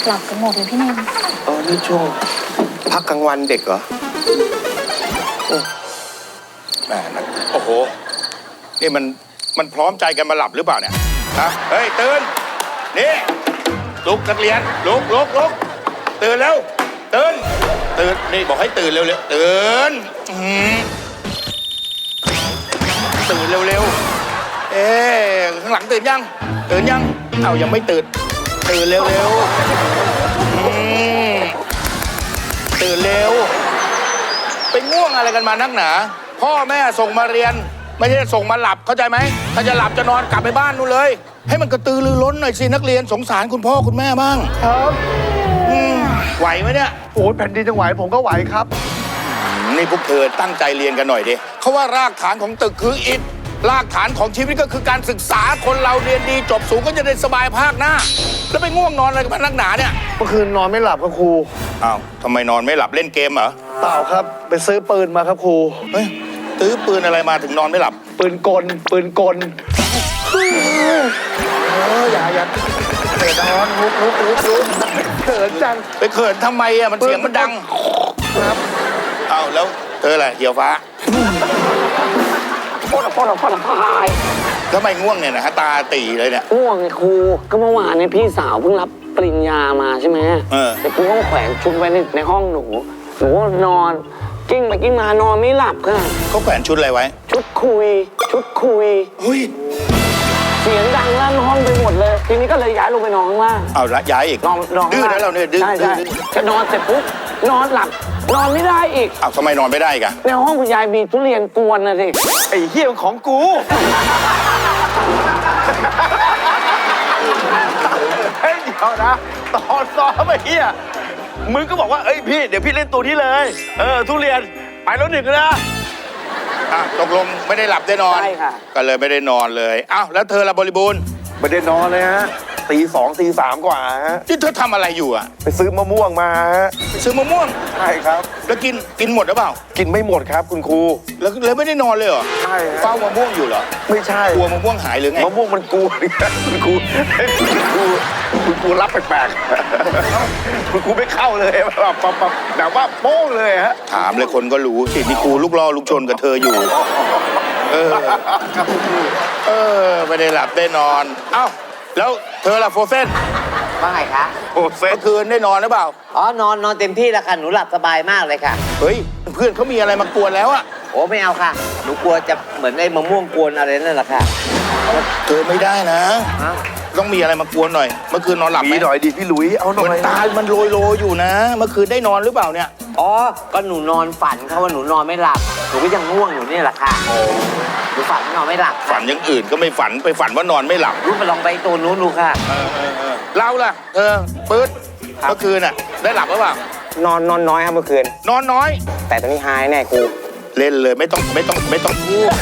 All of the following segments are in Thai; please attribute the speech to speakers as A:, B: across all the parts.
A: หลับกันหมดเลยพี่เนม
B: นี่ช่วงพักกลางวันเด็กเหรอ
C: แม่นะโอ้โหนี่มันพร้อมใจกันมาหลับหรือเปล่าเนี่ยฮะเฮ้ยตื่นนี่ลุกนักเรียนลุกตื่นแล้วตื่นนี่บอกให้ตื่นเร็วตื่นตื่นเร็วข้างหลังตื่นยังเอ้ายังไม่ตื่นเร็วตื่นเร็วไปง่วงอะไรกันมานักหนาพ่อแม่ส่งมาเรียนไม่ใช่ส่งมาหลับเข้าใจไหมถ้าจะหลับจะนอนกลับไปบ้านนู่นเลยให้มันกระตือรือร้นหน่อยสินักเรียนสงสารคุณพ่อคุณแม่บ้าง
B: ครับ
C: ไหวไหมเนี่ย
B: โอ้แผ่นดินจะไหวผมก็ไหวครับ
C: นี่พวกเธอตั้งใจเรียนกันหน่อยดิเขาว่ารากฐานของตึกคืออิฐรากฐานของชีวิตก็คือการศึกษาคนเราเรียนดีจบสูงก็จะได้สบายภาคหน้าแล้วไปง่วงนอนอะไรกันมานักหนาเนี่ย
B: เมื่อคืนนอนไม่หลับครับครู
C: อ้าวทำไมนอนไม่หลับเล่นเกมเหรอ
B: เปล่าครับไปซื้อปืนมาครับครู
C: เฮ้ยซื้อปืนอะไรมาถึงนอนไม่หลับ
B: ปืนกลอย่าเตะนอนลุกเขินจัง
C: ไปเขินทำไมอ่ะมันเสียงมันดัง
B: ครับ
C: อ้าวแล้วเธอแหละเหี่ยวฟ้า
D: พ่อพาย
C: ทำไมง่วงเนี่ยนะฮะตาตีเลยเนี่ย
D: ง่วงไงครูก็เมื่อวานเนี่ยพี่สาวเพิ่งรับปริญญามาใช่ไหมแต่ครูต้องแขวนชุดไว้ในห้องหนูนอนกิ้งไปกิ้งมานอนไม่หลับค่ะ
C: เขาแขวนชุดอะไรไว้
D: ชุดคุย
C: เฮ้ย
D: เสียงดังลั่นห้องไปหมดเลยทีนี้ก็เลยย้ายลงไปนอนข้างล่าง
C: เอาละย้ายอีก
D: นอน
C: ดื้อนะเราเนี่ยดื้อ
D: จะนอนเสร็จปุ๊บนอนหลับนอนไม่ได้อีก
C: อ้าวทำไมนอนไม่ได้กัน
D: ในห้องคุณยายมีทุเรียนกวนนะสิ
B: ไอ้เหี้ยของกูเฮ้ยเดี๋ยวนะตอนซ้อมไอ้เหี้ยมึงก็บอกว่าเอ้ยพี่เดี๋ยวพี่เล่นตัวนี้เลยทุเรียนไปแล้วหนึ่งนะ
C: ตกลงไม่ได้หลับได้นอน
D: ใช่ค่ะ
C: ก็เลยไม่ได้นอนเลยอ้าวแล้วเธอละบริบูรณ์
B: ไม่ได้นอนเลยฮะตี 2 ตี 3กว่าฮะ
C: ที่เธอทำอะไรอยู่อ่ะ
B: ไปซื้อมะม่วงมาฮะ
C: ซื้อมะม่วง
B: ใช่ครับ
C: แล้วกินหมดหรือเปล่า
B: กินไม่หมดครับคุณครู
C: แล้วไม่ได้นอนเลยเหรอ
B: ใช่
C: เฝ้ามะม่วงอยู่เหรอ
B: ไม่ใช่
C: กลัวมะม่วงหายหรือไง
B: มะม่วงมันกลัวคุณครูรับแปลกๆคุณครูไม่เข้าเลยแบบว่าโป้งเลยฮะ
C: ถามเลยคนก็รู้สินี่ครูลูกล่อลูกชนกับเธออยู่ไม่ได้หลับได้นอนเอ้าแล้วเธอล่ะโฟเซน
E: ว่าไงคะ
C: โฟเซนคืนได้นอนหรือเปล่า
E: นอนเต็มที่แล้วค่ะหนูหลับสบายมากเลยค่ะ
C: เฮ้ยเพื่อนเขามีอะไรมากวนแล้วอะ
E: โอ้ไม่เอาค่ะหนูกลัวจะเหมือนไอ้มะม่วงกวนอะไรนั่นแหละค่ะ
C: เธอไม่ได้นะต้องมีอะไรมากวนหน่อยเมื่อคืนนอนหลับไหม
B: หน่อยดิพี่หลุยเอาหน่อย
C: ตามันโรยอยู่นะเมื่อคืนได้นอนหรือเปล่าเนี่ย
E: ก็หนูนอนฝันเขาว่าหนูนอนไม่หลับหนูก็ยังง่วงอยู่นี่แหละค่ะหนูฝันนอนไม่หลับ
C: ฝันอย่างอื่นก็ไม่ฝันไปฝันว่านอนไม่หลับ
E: รู้ไปลองไปตัวนู้นดูค่ะ
C: เราล่ะเธอปื๊ดเมื่อคืนน่ะได้หลับหรือเปล่าน
D: อนน้อยครับเมื่อคืน
C: นอนน้อย
D: แต่ตอนนี้หายแน่ครู
C: เล่นเลยไม่ต้องพูด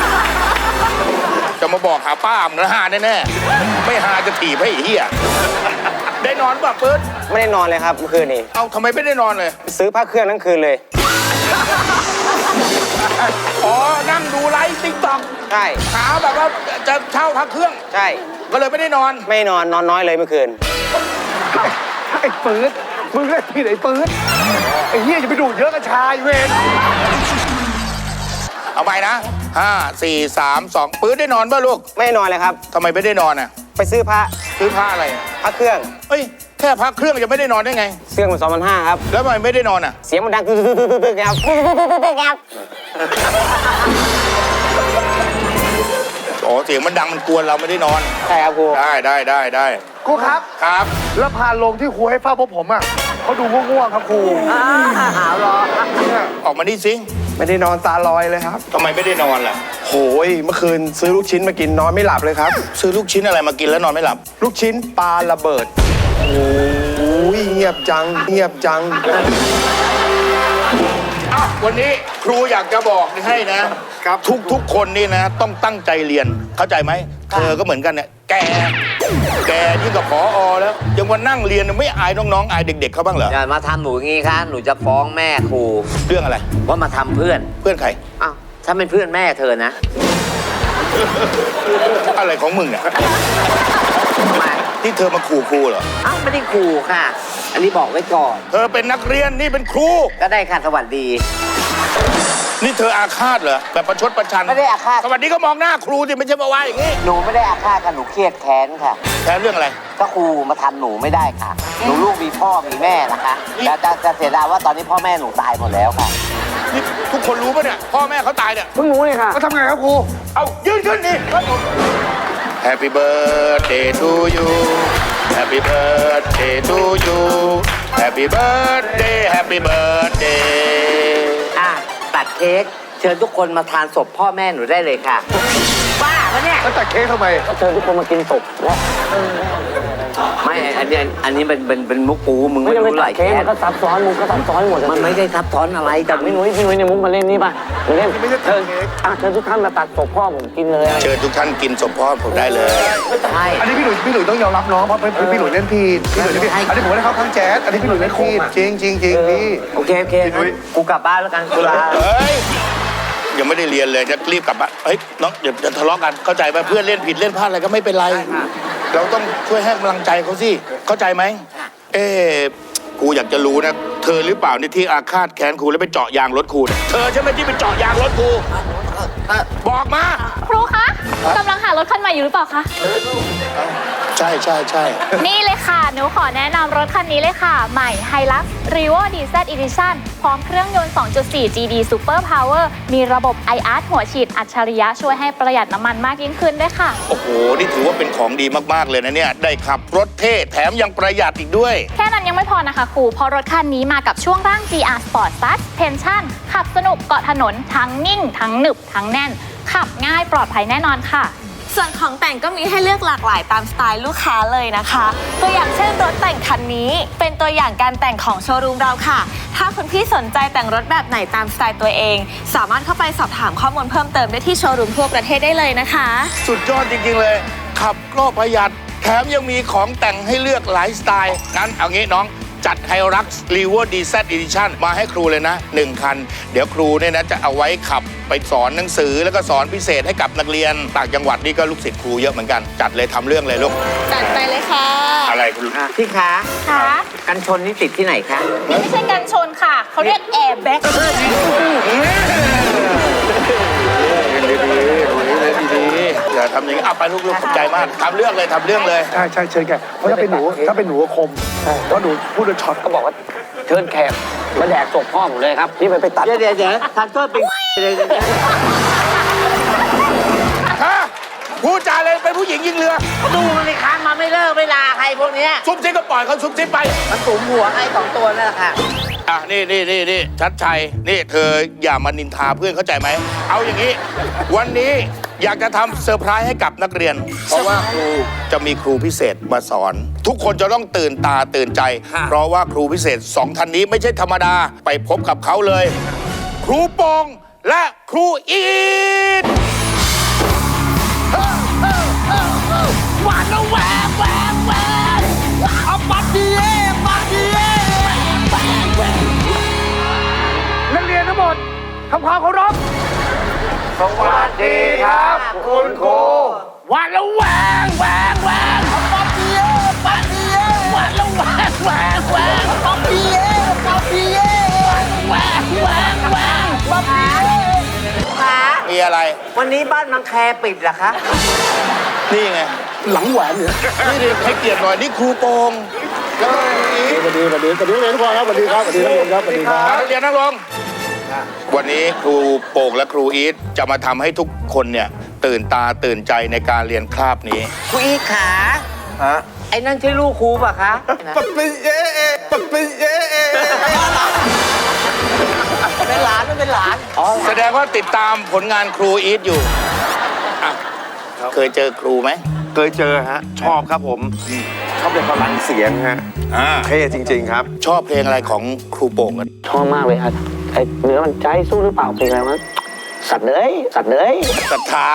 C: จะมาบอกหาป้ามันหาแน่ๆไม่หาจะถีบให้เหี้ยได้นอนป่ะปื๊ด
D: ไม่ได้นอนเลยครับเมื่อคืนนี้
C: เอาทำไมไม่ได้นอนเลย
D: ซื้อผ้าเครื่องทั้งคืนเลย
C: นั่งดูไลฟ์ติ๊กต็อก
D: ใช่
C: หาแบบว่าจะเช่าพักเครื่อง
D: ใช่
C: ก็เลยไม่ได้นอน
D: ไม่นอนน้อยเลยเมื่อคืน
B: ไอ้ปื๊ดมึงเล่นที่ไหนปื๊ดไอ้เหี้ยอย่าไปดูเยอะกับชายเวร
C: เอาไปนะ5 4 3 2ปื๊ดได้นอนป่ะลูก
D: ไม่นอนเลยครับ
C: ทำไมไม่ได้นอนอ่ะ
D: ไปซื้อผ้า
C: อะไร
D: ผ้าเครื่อง
C: เฮ้ยแค่พักเครื่องจะไม่ได้นอนได้ไง
D: เครื่องมัน2,500ครับ
C: แล้วทำไมไม่ได้นอนอ่ะ
D: เสียงมันดังตึ๊กครับ
C: เสียงมันดังมันกวนเราไม่ได้นอน
D: ใช่ครับครู
C: ได้
B: ครูครับแล้วพาลงที่ครูให้เฝ้าพวกผมอ่ะเขาดูง่วงครับครู
E: หาวรอ
C: ออกมาดิซิ
B: ไม่ได้นอนตาลอยเลยครับ
C: ทำไมไม่ได้นอนล่ะ
B: โหยเมื่อคืนซื้อลูกชิ้นมากินนอนไม่หลับเลยครับ
C: ซื้อลูกชิ้นอะไรมากินแล้วนอนไม่หลับ
B: ลูกชิ้นปลาระเบิดโอ้ยเงียบจัง
C: วันนี้ครูอยากจะบอกให้นะครับทุกคนนี่นะต้องตั้งใจเรียนเข้าใจไหมเธอก็เหมือนกันเนี่ยแกยิ่งกับผอ.แล้วยังมานั่งเรียนไม่อายน้องๆอายเด็กๆเขาบ้างเหรอ
E: อย่ามาทำหนูอย่างงี้ค่ะหนูจะฟ้องแม่ครู
C: เรื่องอะไร
E: ว่ามาทำเพื่อน
C: ใคร
E: ถ้าเป็นเพื่อนแม่เธอนะ
C: อะไรของมึงเนี่ยที่เธอมาขู่ครูเหรอ
E: อ้าวไม่ได้ขู่ค่ะ อันนี้บอกไว้ก่อน
C: เธอเป็นนักเรียนนี่เป็นครู
E: ก็ได้ค่ะสวัสดี
C: นี่เธออาฆาตเหรอแบบประชดประชัน
E: ไม่ได้อาฆาต
C: สวัสดีก็มองหน้าครูสิไม่ใช่มาว่าอย่างนี้
E: หนูไม่ได้อาฆาตค่ะหนูเครียดแค้นค่ะ
C: แค่เรื่องอะไร
E: ก็ครูมาทำหนูไม่ได้ค่ะ หนูลูกมีพ่อมีแม่นะคะจะเสียดายว่าตอนนี้พ่อแม่หนูตายหมดแล้วค่ะ
C: นี่ทุกคนรู้ปะเนี่ยพ่อแม่เขาตายเนี่ย
D: เพิ่งรู้เลยค่ะ
B: ก็ทำไงครับครู
C: เอายืนขึ้นนี่ Happy birthday to you Happy birthday to you Happy birthday Happy birthday
E: อ่ะตัดเค้กเชิญทุกคนมาทานศพพ่อแม่หนูได้เลยค่ะบ้าปะเนี่ย
B: แล้วตัดเค้กทำไม
D: ก็เชิญทุกคนมากินศพแล้ว
E: ไม่อันนี้เป็นมุกปูมึง
D: ไม่
E: ไม่
D: จะไป
E: รู้ห
D: ตั
E: ลา
D: ด
E: ย
D: เค้
E: แค้
D: กมัน นก็ซับซ้อนมุกก็ซับซ้อนหมด
E: มันไม่ได้ทับซ้อนอะไรแต่
D: พี่นุ้ยในมุกมาเล่นนี่ป่ะมาเล่นเชิญทุกท่านมาตัดศพพ่อผมกินเลยอะไร
C: เชิญทุกท่านกินศพพ่อผมได้เลย
E: ใช่
B: อันนี้พี่หลุยต้องยอมรับน้องเพราะพี่หลุยเล่นผิดพี่หลุยเล่นผิดอันนี้ผมไม่ได้เข้าข้างแจ๊สอันนี้พี่หลุยเล่นผิดจริงพี่
E: โอเคกูกลับบ้านแล้วกันกูลา
C: เฮ้ยยังไม่ได้เรียนเลยจะรีบกลับบ้านเฮ้ยน้องเดี๋ยวจะทะเลาะกันเข้าใจไหมเพื่อนเล่นผิดเล่นพลาดอะไรก็ไม่เป็นไร เราต้องช่วยให้กำลังใจเขาสิเข้าใจไหมกูอยากจะรู้นะเธอหรือเปล่านี่ที่อาฆาตแค้นครูแล้วไปเจาะยางรถครูเนี่ยเธอใช่ไหมที่ไปเจาะยางรถครูบอกมา
A: ครูคะกำลังหารถคันใหม่อยู่หรือเปล่าคะ
C: ใช่
A: นี่เลยค่ะ หนูขอแนะนำรถคันนี้เลยค่ะ ใหม่ Hilux Revo DZ Edition พร้อมเครื่องยนต์ 2.4 GD Super Power มีระบบ IR หัวฉีดอัจฉริยะช่วยให้ประหยัดน้ำมันมากยิ่งขึ้นด้วยค่ะ
C: โอ้โหนี่ถือว่าเป็นของดีมากๆเลยนะเนี่ยได้ขับรถเท่แถมยังประหยัดอีกด้วย
A: แค่นั้นยังไม่พอนะคะครูเพราะรถคันนี้มากับช่วงร่าง GR Sport Suspension ขับสนุกเกาะถนนทั้งนิ่ง ทั้งหนึบ ทั้งแน่น ขับง่ายปลอดภัยแน่นอนค่ะ
F: ส่วนของแต่งก็มีให้เลือกหลากหลายตามสไตล์ลูกค้าเลยนะคะ ตัวอย่างเช่นรถแต่งคันนี้ เป็นตัวอย่างการแต่งของโชว์รูมเราค่ะ ถ้าคุณพี่สนใจแต่งรถแบบไหนตามสไตล์ตัวเอง สามารถเข้าไปสอบถามข้อมูลเพิ่มเติมได้ที่โชว์รูมทั่วประเทศได้เลยนะคะ
C: สุดยอดจริงๆเลย ขับก็ประหยัดแถมยังมีของแต่งให้เลือกหลายสไตล์งั้นเอางี้น้องจัดไฮรักซ์รีเวอร์ดีเซตอีดิชั่นมาให้ครูเลยนะ1 คัน เดี๋ยวครูเนี่ยนะจะเอาไว้ขับไปสอนหนังสือแล้วก็สอนพิเศษให้กับนักเรียนต่างจังหวัดนี่ก็ลูกศิษย์ครูเยอะเหมือนกันจัดเลยทำเรื่องเลยลูก
F: จัดไปเลยค่ะ
C: อะไรคุณ
E: พี่คะ
A: ค่ะ
E: กันชนนี่ติดที่ไหนคะ
A: ไม่ใช่กันชนค่ะ เขาเรียกแอร์แบ็ก
C: อย่าทำอย่างนี้เอาไปลูกๆขอบใจมากทำเรื่องเลยทำเรื่องเลย
B: ใช่เชิญแกเพราะถ้าเป็นหนูก็คมเพราะหนูพูดโดนช็อต
D: ก็บอกว่าเชิญแขกมาแดกศพพ่อผมเลยครับนี่ไปตัด
E: เดี๋ยวทานโทษเป็นเลย
C: ฮะพูดจาเลยเป็นผู้หญิงยิงเรือ
E: ดูมันเลยคะมาไม่เลิกเวลาใครพวกเนี้ย
C: ซุบซิบก็ปล่อยเขาซุบซิบไป
E: มันสูงหัวไอ้2 ตัวนั่นแหละค่ะ
C: อ่ะนี่ชัดชัยนี่เธออย่ามานินทาเพื่อนเข้าใจไหมเอาอย่างนี้ วันนี้อยากจะทำเซอร์ไพรส์ให้กับนักเรียน เพราะว่าครูจะมีครูพิเศษมาสอน ทุกคนจะต้องตื่นตาตื่นใจ เพราะว่าครูพิเศษ2 ท่านนี้ไม่ใช่ธรรมดาไปพบกับเขาเลย ครูปองและครูอีท
D: หวานแล้วแหวกเอาปัดดีนักเรียนทั้งหมดทำความเคารพสวัสดีครับคุณครูหวานแล้วแหวกเอาปัดดีหวานแล้วแหวกเอาปัดดีแหวก
E: คะ
C: มีอะไร
E: วันนี้บ้านมังแคปิดเหรอคะ
C: นี่ไง
B: หลังแหวนเนี่ย
C: นี่ดิให้เกียรติหน่อยนี่ครูโปองแล้วก็อีท
B: สวัสดีนักเรียนทุกคนครับสวัสดีครับนักเรียนครับสวัสดีครับ
C: นักเรียนนั่งลงวันนี้ครูโป่งและครูอีทจะมาทำให้ทุกคนเนี่ยตื่นตาตื่นใจในการเรียนคาบนี้
E: ครูอีทขาไอ้นั่นใช่ลูกครูป่ะคะเป็นหลานมันเป็นหลาน
C: แสดงว่าติดตามผลงานครูอีทอยู่อ่ะเคยเจอครูไหม
G: เคยเจอฮะ ชอบครับผมชอบเป็นพลังเสียงฮะเท่จริง ๆ ครับ
C: ชอบเพลงอะไรของครูโป่งกัน
D: ชอบมากเลยครับไอ้เนื้อมันใจสู้หรือเปล่าเป็นไงวะสัตว์เลย
C: ศรัทธา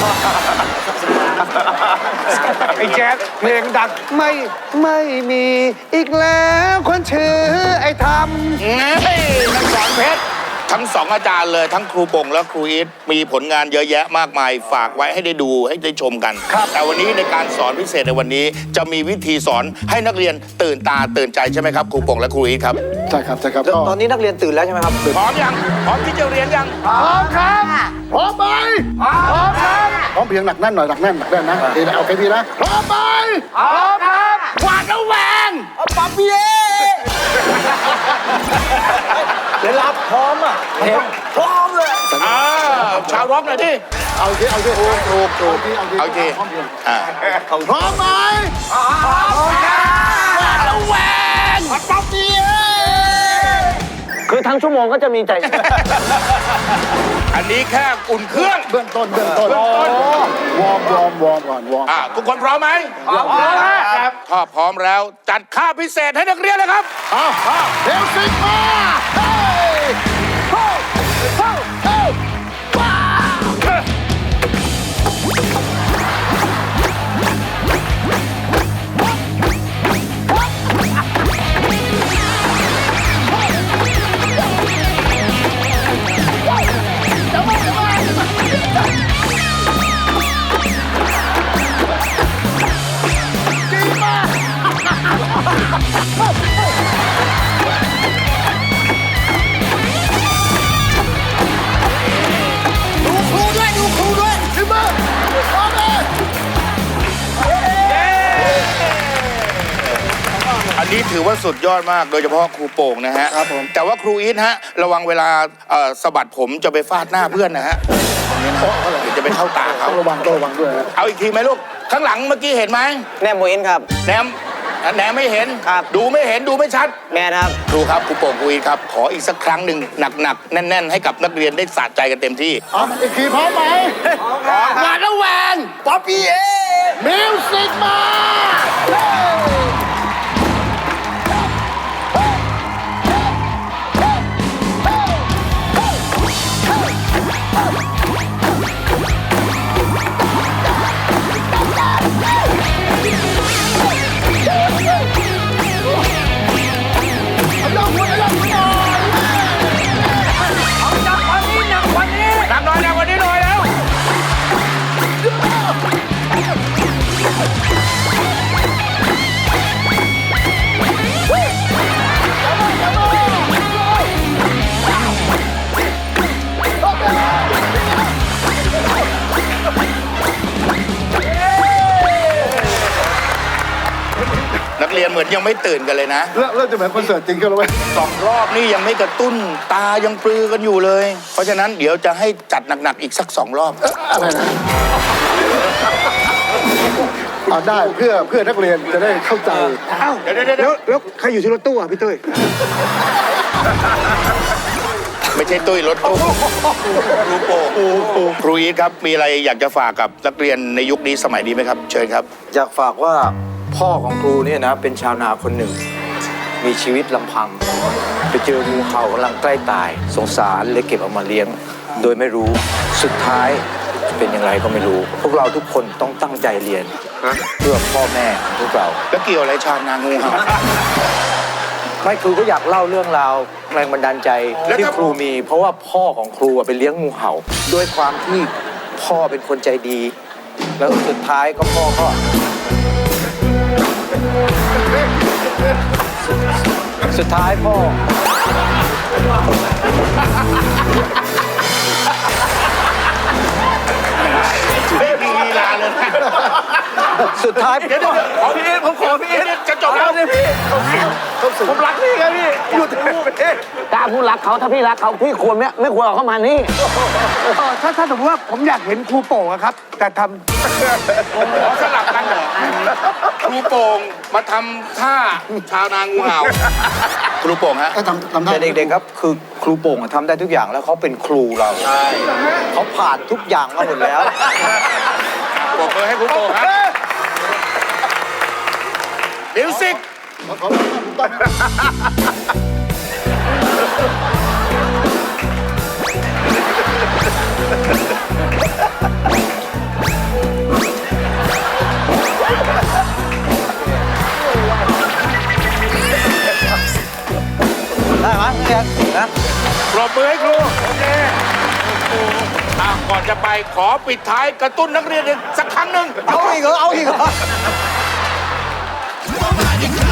B: ไอ้แจ๊สเพลงดังไม่มีอีกแล้วคนชื่อไอ้ทำ
C: เฮ้ยนักสอนเพชรทั้งสองอาจารย์เลยทั้งครูปงและครูอีทมีผลงานเยอะแยะมากมายฝากไว้ให้ได้ดูให้ได้ชมกันแต่วันนี้ในการสอนพิเศษในวันนี้จะมีวิธีสอนให้นักเรียนตื่นตาตื่นใจใช่ไหมครับครูปงและครูอีทครับ
D: ใช่ครับใช่ครับ
E: ตอนนี้นักเรียนตื่นแล้วใช่ไหมครับ
C: พร้อมยังพร้อมที่จะเรียนยัง
D: พร้อมครับพร้อมไหมพร้อมครับพร้อมเพียงหนักแน่นหน่อยหนักแน่นนะโอเคนะโอเคพี่นะพร้อมไหมพร้อมครับหวาดระแวงปั๊บเบี้ย
E: เดี๋ยวรับพร้อมอ่ะพร้อมเลย
C: ชาวร็อกหน่อยดิ
D: เอาทีเอาที
C: ถูก
D: เอาที
C: พร้อมไหม
D: พร้อมครับหวาดระแวงปั๊บเบี้ย
E: คือทั้งชั่วโมงก็จะมีใจ
C: อันนี้แค่อุ่นเครื่อง
D: เบื้องต้นวอร์มก่อนวอร์ม
C: ทุกคนพร้อมไหม
D: พร้อมครับ
C: ถ้าพร้อมแล้วจัดค่าพิเศษให้นักเรียนเลยครับ
D: เร็วสิมาเฮ้ยเฮ้ยเฮ้ยเฮ้ยว้าว ดูครูด้วยขึ้นมาพร้อมเลย
C: อันนี้ถือว่าสุดยอดมากโดยเฉพาะครูโป่งนะฮะ
D: ครับผม
C: แต่ว่าครูอีทฮะระวังเวลาสะบัดผมจะไปฟาดหน้าเพื่อนนะฮะตรงนี้นะเดี๋ยวจะไปเข้าตาเขา
D: ต้องระวังด้วยนะ
C: เอาอีกทีไหมลูกข้างหลังเมื่อกี้เห็นไหม
E: แน่โมอินครับ
C: แหนมไม่เห็น
E: ครับ
C: ดูไม่เห็นดูไม่ชัด
E: แม่ครับ
C: ครูครับครูโป่งครูอีทครับขออีกสักครั้งหนึ่งหนักๆแน่นๆให้กับนักเรียนได้สะใจกันเต็มที่
D: เอาอีกทีพร้อมไหมพร้อมครับหวาดระแวงป๊อปปี้มิวสิกมาเฮ้ย
C: หนักหน่อยหนักกว่านี้หน่อยแล้ว นักเรียนเหมือนยังไม่ตื่นกันเลยนะ
D: เริ่มจะเหมือนคอนเสิร์ตจริงกันแล้วเว้ย
C: 2 รอบนี่ยังไม่กระตุ้นตายังปลือกันอยู่เลย เพราะฉะนั้นเดี๋ยวจะให้จัดหนักๆอีกสัก 2 รอบ
D: อะไรนะเอาได้เพื่อนักเรียนจะได้เข้าใจ
C: เดี๋ยว
D: ใครอยู่ที่รถตู้อ่ะพี่เต้ย
C: ไม่ใช่ตุ้ยรถตู้ครูโป่งครูอีทครับมีอะไรอยากจะฝากกับนักเรียนในยุคนี้สมัยนี้ไหมครับ เชิญครับ
H: อยากฝากว่าพ่อของครูเนี่ยนะเป็นชาวนาคนหนึ่ง มีชีวิตลำพัง ไปเจองูเห่ากำลังใกล้ตาย สงสารเลยเก็บเอามาเลี้ยง โดยไม่รู้สุดท้ายจะเป็นอย่างไรก็ไม่รู้ พวกเราทุกคนต้องตั้งใจเรียนเพื่อพ่อแม่ของพวกเรา
C: แล้วเกี่ยวอะไรชาวนางูเห่า
H: ไม่ครูก็อยากเล่าเรื่องราวแรงบันดาลใจ
C: แล้ว
H: ที่
C: ถ้า
H: ครูมี เพราะว่าพ่อของครูอะไปเลี้ยงงูเห่าด้วยความที่พ่อเป็นคนใจดี แล้วสุดท้ายก็พ่อก็ สุดท้ายพ่อ
C: ไม่มีลีลาเลยนะ
H: สุดท้าย
C: เดี๋ยวขอพี่เอ็ผมขอพี่เอ็จะจบแล้วพี่ผมรักพี่ไงพี่หยุดพูด
E: กล้าพูดรักเขาถ้าพี่รักเขาพี่ควรไม่ควรเอาเข้ามานี่
D: ถ้าสมมติว่าผมอยากเห็นครูโป่งอะครับ แต่ท
C: ขอสลับกันเหรอครูโป่งมาทำท่าชาวนางูเห่าครูโป่งฮะ
D: ำทำได้
H: แต่เด็กๆครับคือครูโป่งอะทำได้ทุกอย่างแล้วเขาเป็นครูเราเขาผ่านทุกอย่างมาหมดแล้ว
C: ปรบมือให้ครูโป่งครับมิวสิก
H: ได้ไหมเนี่ยนะ
C: ปรบมือให้ครูโอเคก่อนจะไปขอปิดท้ายกระตุ้นนักเรียนอีกสักครั้งหนึ่ง
D: เอาอีกเหรอ เอาอีกเหรอ